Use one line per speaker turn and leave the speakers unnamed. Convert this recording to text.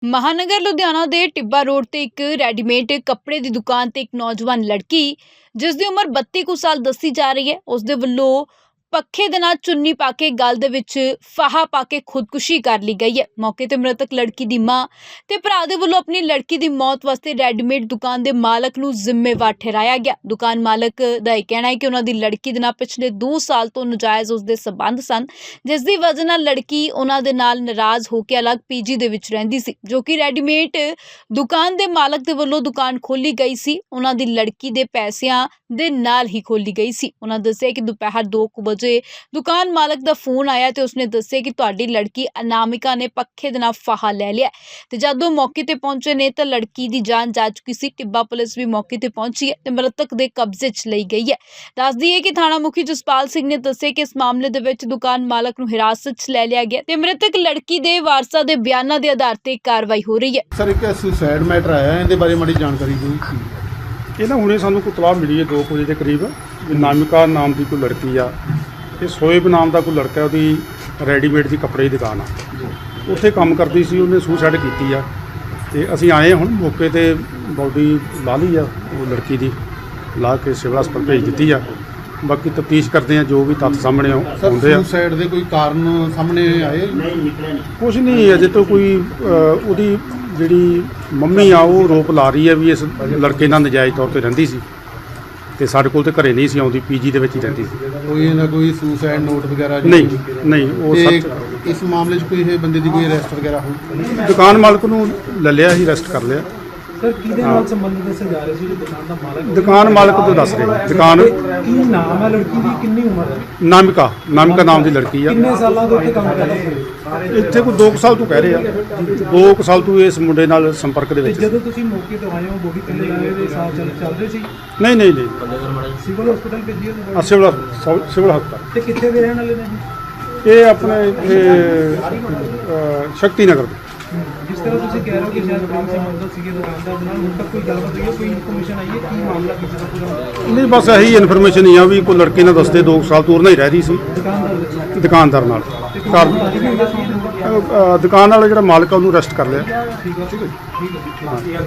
महानगर लुधियाना के टिब्बा रोड ते एक रेडीमेड कपड़े की दुकान ते एक नौजवान लड़की जिसकी उम्र 32 कुछ साल दसी जा रही है उसके वल्लों पखे दे नाल चुन्नी पा के गल दे विच फाहा पा के खुदकुशी कर ली गई है। मौके ते मृतक लड़की दी मां ते भरा दे वल्लों अपनी लड़की दी मौत वास्ते रेडीमेड दुकान दे मालक नूं जिम्मेवार ठहराया गया। दुकान मालक दा यह कहना है कि उन्हां दी लड़की दे नाल पिछले 2 साल तो नजायज़ उसदे संबंध सन, जिस दी वजह नाल लड़की उन्हां दे नाल नाराज होकर अलग पीजी दे विच रहिंदी सी, जो कि रेडीमेड दुकान दे मालक दे वल्लों दुकान खोली गई सी। उन्हां दी लड़की दे पैसिਆਂ दे नाल ही खोली गई सी। उन्हां दस्सिया कि दोपहर 2 बजे दुकान मालक दा फोन आया तो उसने दस्सिया कि तुहाडी लड़की अनामिका ने पखे दे नाल फाहा ले लिया ते जदों मौके ते पहुंचे ने तो लड़की दी जान जा चुकी सी। टिब्बा पुलिस भी मौके ते पहुंची है ते मृतक दे कब्जे च लई गई है। दस दईए कि थाणा मुखी जसपाल सिंह ने दस्सिया कि इस मामले दे विच दुकान मालक नूं हिरासत च ले लिया गया ते मृतक लड़की दे वारसां दे बयानां दे आधार ते कार्रवाई हो रही है।
सर एक सुसाइड मैटर आया है, इहदे बारे माड़ी जानकारी दिओ।
ਇਹ ਨਾ ਹੁਣੇ ਸਾਨੂੰ ਕੋਈ ਤਲਾਹ ਮਿਲੀ ਹੈ 2 ਵਜੇ ਦੇ ਕਰੀਬ ਵੀ ਨਾਮਿਕਾ ਨਾਮ ਦੀ ਕੋਈ ਲੜਕੀ ਆ ਤੇ ਸੋਇਬ ਨਾਮ ਦਾ ਕੋਈ ਲੜਕਾ, ਉਹਦੀ ਰੈਡੀਮੇਡ ਦੀ ਕੱਪੜੇ ਦੀ ਦੁਕਾਨ ਆ, ਉੱਥੇ ਕੰਮ ਕਰਦੀ ਸੀ। ਉਹਨੇ ਸੁਸਾਈਡ ਕੀਤੀ ਆ ਤੇ ਅਸੀਂ ਆਏ ਹੁਣ ਮੌਕੇ ਤੇ ਬੋਡੀ ਲਾ ਲਈ ਆ ਉਹ ਲੜਕੀ ਦੀ, ਲਾ ਕੇ ਸਿਵਲ ਹਸਪਤਾਲ ਭੇਜ ਦਿੱਤੀ ਆ। ਬਾਕੀ ਤਫਤੀਸ਼ ਕਰਦੇ ਆ, ਜੋ ਵੀ ਤੱਥ ਸਾਹਮਣੇ ਆਉਂਦੇ ਆ।
ਸੁਸਾਈਡ ਦੇ ਕੋਈ ਕਾਰਨ ਸਾਹਮਣੇ ਆਏ?
ਕੁਛ ਨਹੀਂ ਅਜੇ ਤੋਂ ਕੋਈ ਉਹਦੀ ਜਿਹੜੀ ਮੰਮੀ ਆ ਉਹ ਰੋਪ ਲਾ ਰਹੀ ਹੈ ਵੀ ਇਸ ਲੜਕੇ ਨਾਲ ਨਜਾਇਜ਼ ਤੌਰ 'ਤੇ ਰਹਿੰਦੀ ਸੀ ਤੇ ਸਾਡੇ ਕੋਲ ਤੇ ਘਰੇ ਨਹੀਂ ਸੀ ਆਉਂਦੀ, ਪੀਜੀ ਦੇ ਵਿੱਚ ਹੀ ਰਹਿੰਦੀ ਸੀ।
ਕੋਈ ਨਾ ਕੋਈ ਸੁਸਾਈਡ ਨੋਟ ਵਗੈਰਾ?
ਨਹੀਂ ਉਹ ਸੱਚ।
ਇਸ ਮਾਮਲੇ 'ਚ ਕੋਈ ਇਹ ਬੰਦੇ ਦੀ ਕੋਈ ਅਰੈਸਟ ਵਗੈਰਾ ਹੋਈ?
ਦੁਕਾਨ ਮਾਲਕ ਨੂੰ ਲੈ ਲਿਆ ਸੀ, ਅਰੈਸਟ ਕਰ ਲਿਆ।
ਸਰ ਕਿਹਦੇ ਨਾਲ ਸੰਬੰਧਿਤ ਦੱਸੇ ਜਾ ਰਹੇ ਸੀ? ਜੋ ਦੁਕਾਨ ਦਾ ਮਾਲਕ,
ਦੁਕਾਨ ਮਾਲਕ ਤੋਂ ਦੱਸ ਰਹੇ। ਦੁਕਾਨ
ਕੀ ਨਾਮ ਹੈ ਲੜਕੀ ਦੀ, ਕਿੰਨੀ ਉਮਰ ਹੈ?
ਨਾਮਿਕਾ ਨਾਮ ਦੀ ਲੜਕੀ ਆ।
ਕਿੰਨੇ ਸਾਲਾਂ ਤੋਂ ਇੱਥੇ ਕੰਮ ਕਰਦਾ ਸੀ?
ਇੱਥੇ ਕੋਈ 2 ਸਾਲ ਤੋਂ ਕਹਿ ਰਹੇ ਆ, 2 ਸਾਲ ਤੋਂ ਇਸ ਮੁੰਡੇ ਨਾਲ ਸੰਪਰਕ ਦੇ ਵਿੱਚ।
ਜਦੋਂ ਤੁਸੀਂ ਮੌਕੇ ਤੇ ਆਏ ਹੋ ਬੋਡੀ ਕਿੰਨੇ ਲਾਏ ਦੇ ਸਾਹ ਚੱਲ ਰਹੇ ਸੀ?
ਨਹੀਂ
ਸਿਵਲ ਹਸਪਤਾਲ ਭੇਜੀ ਹੋ?
ਸਿਵਲ ਹਸਪਤਾਲ।
ਤੇ ਕਿੱਥੇ ਦੇ ਰਹਿਣ ਵਾਲੇ ਨੇ?
ਇਹ ਆਪਣੇ ਸ਼ਕਤੀ ਨਗਰ ਦੇ।
ਜਿਸ ਤਰ੍ਹਾਂ ਤੁਸੀਂ ਕਹਿ ਰਹੇ ਹੋ ਕਿ ਸ਼ਾਇਦ ਪ੍ਰੇਮ ਸੰਬੰਧ ਸੀਗੇ ਦੁਕਾਨਦਾਰ ਨਾਲ, ਹੁਣ ਤੱਕ ਕੋਈ ਗੱਲਬਾਤ ਹੋਈ ਹੈ, ਕੋਈ ਇਨਫੋਰਮੇਸ਼ਨ ਆਈ ਹੈ ਕੀ ਮਾਮਲਾ ਕੀ ਸੀ ਪੂਰਾ? ਨਹੀਂ, ਬਸ ਇਹੀ ਇਨਫੋਰਮੇਸ਼ਨ ਹੀ ਆ ਵੀ ਕੋਈ ਲੜਕੀ ਨਾਲ ਦੱਸਦੇ 2 ਸਾਲ ਤੋਂ ਨਹੀਂ ਰਹਿ ਰਹੀ ਸੀ ਦੁਕਾਨਦਾਰ ਨਾਲ। ਦੁਕਾਨ ਵਾਲਾ ਜਿਹੜਾ ਮਾਲਕ ਆ ਉਹਨੂੰ ਅਰੈਸਟ ਕਰ ਲਿਆ। ਠੀਕ ਹੈ।